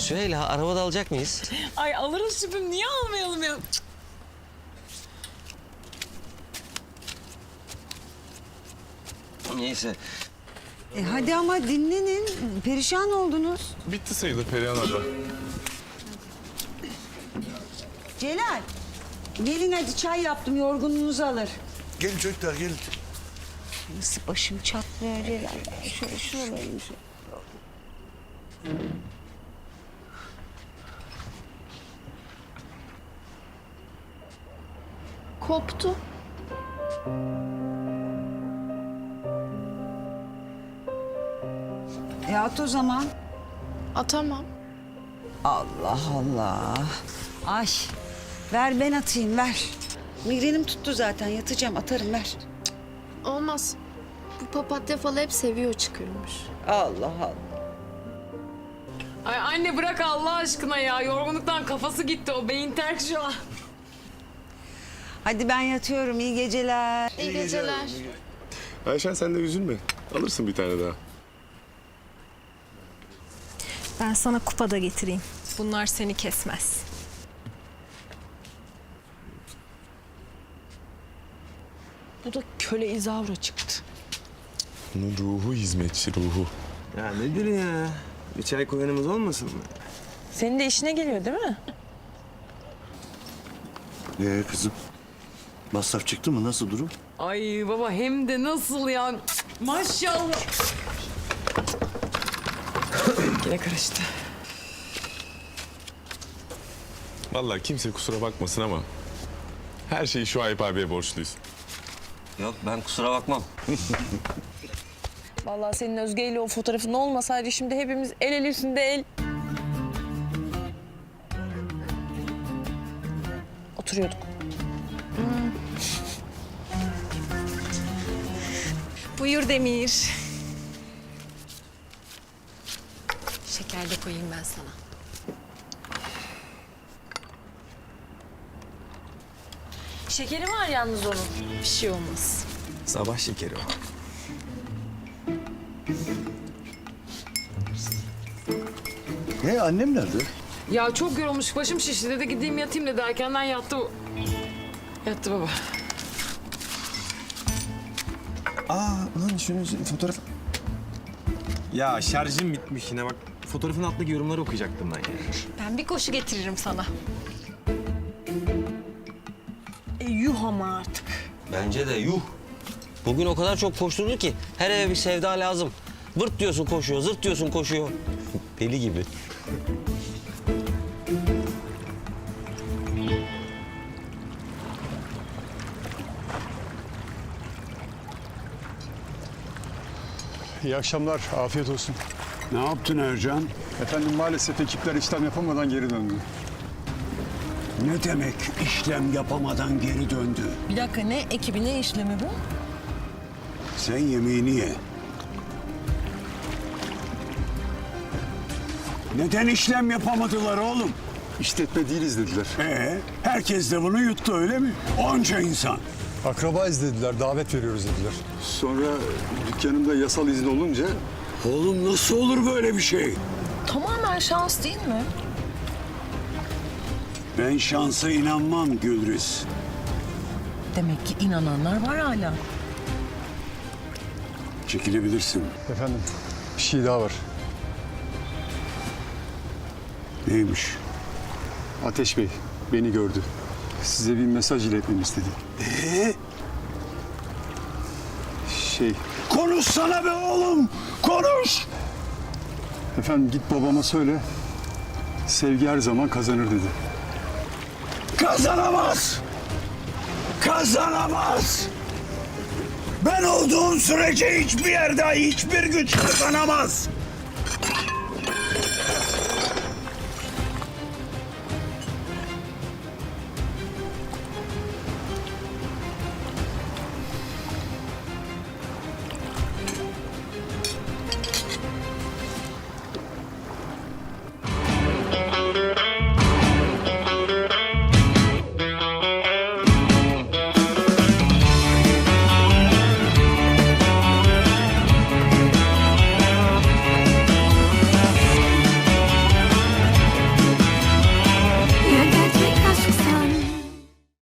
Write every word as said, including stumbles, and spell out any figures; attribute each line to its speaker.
Speaker 1: Süheyla, arabada alacak mıyız?
Speaker 2: Ay alırız şüphem. Niye almayalım ya?
Speaker 1: Neyse.
Speaker 3: E hadi ama dinlenin. Perişan oldunuz.
Speaker 4: Bitti sayılır Perihan abla.
Speaker 3: Celal. Gelin hadi çay yaptım. Yorgunluğunuzu alır.
Speaker 5: Gelin çocuklar gelin.
Speaker 3: Nasıl başım çatlıyor Celal. Şöyle şuralarım.
Speaker 6: Koptu.
Speaker 3: E at o zaman.
Speaker 6: Atamam.
Speaker 3: Allah Allah. Ay. Ver ben atayım ver. Migrenim tuttu zaten yatacağım atarım ver.
Speaker 6: Olmaz. Bu papatya falı hep seviyor çıkıyormuş.
Speaker 3: Allah Allah.
Speaker 2: Ay anne bırak Allah aşkına ya. Yorgunluktan kafası gitti. O beyin terk şu an.
Speaker 3: Hadi ben yatıyorum iyi geceler.
Speaker 6: İyi geceler.
Speaker 4: Ayşen sen de üzülme. Alırsın bir tane daha.
Speaker 7: Ben sana kupa da getireyim. Bunlar seni kesmez.
Speaker 2: Bu da köle izavra çıktı.
Speaker 4: Bunun ruhu hizmetçi ruhu.
Speaker 1: Ya nedir ya? Bir çay koyanımız olmasın mı?
Speaker 2: Senin de işine geliyor değil mi?
Speaker 5: Ee kızım? Masraf çıktı mı? Nasıl durum?
Speaker 2: Ay baba hem de nasıl ya? Maşallah. Yine karıştı.
Speaker 4: Vallahi kimse kusura bakmasın ama her şeyi şu Ayıp abiye borçluyuz.
Speaker 1: Yok, ben kusura bakmam.
Speaker 2: Vallahi senin Özge ile o fotoğrafın olmasaydı şimdi hepimiz el el üstünde el. Oturuyorduk.
Speaker 7: Buyur Demir. Şeker de koyayım ben sana.
Speaker 2: Şekeri var yalnız onun.
Speaker 7: Bir şey olmaz.
Speaker 1: Sabah şekeri o.
Speaker 5: Ne annem nerede?
Speaker 2: Ya çok yorulmuş, başım şişti dedi. Gideyim yatayım dedi. Erkenden yattı. Yattı baba.
Speaker 8: Aa lan şunun fotoğraf... Ya şarjım bitmiş yine bak. Fotoğrafın altındaki yorumları okuyacaktım ben ya.
Speaker 7: Ben bir koşu getiririm sana.
Speaker 2: E, yuh ama artık.
Speaker 1: Bence de yuh. Bugün o kadar çok koşturdu ki her eve bir sevda lazım. Vırt diyorsun koşuyor, zırt diyorsun koşuyor. Deli gibi.
Speaker 9: İyi akşamlar, afiyet olsun.
Speaker 5: Ne yaptın Ercan?
Speaker 9: Efendim maalesef ekipler işlem yapamadan geri döndü.
Speaker 5: Ne demek işlem yapamadan geri döndü?
Speaker 2: Bir dakika ne ekibi ne işlemi bu?
Speaker 5: Sen yemeğini ye. Neden işlem yapamadılar oğlum?
Speaker 9: İşletme değiliz dediler.
Speaker 5: Ee, herkes de bunu yuttu öyle mi? Onca insan.
Speaker 9: Akrabayız dediler, davet veriyoruz dediler. Sonra dükkanımda yasal izin olunca...
Speaker 5: Oğlum nasıl olur böyle bir şey?
Speaker 2: Tamamen şans değil mi?
Speaker 5: Ben şansa inanmam Gülriz.
Speaker 2: Demek ki inananlar var hala.
Speaker 5: Çekilebilirsin.
Speaker 9: Efendim, bir şey daha var.
Speaker 5: Neymiş?
Speaker 9: Ateş Bey beni gördü. Size bir mesaj iletmemi istedi.
Speaker 5: Ee?
Speaker 9: Şey,
Speaker 5: Konuşsana be oğlum! Konuş!
Speaker 9: efendim git babama söyle. Sevgi her zaman kazanır dedi.
Speaker 5: Kazanamaz! Kazanamaz! Ben olduğum sürece hiçbir yerde hiçbir güç kazanamaz!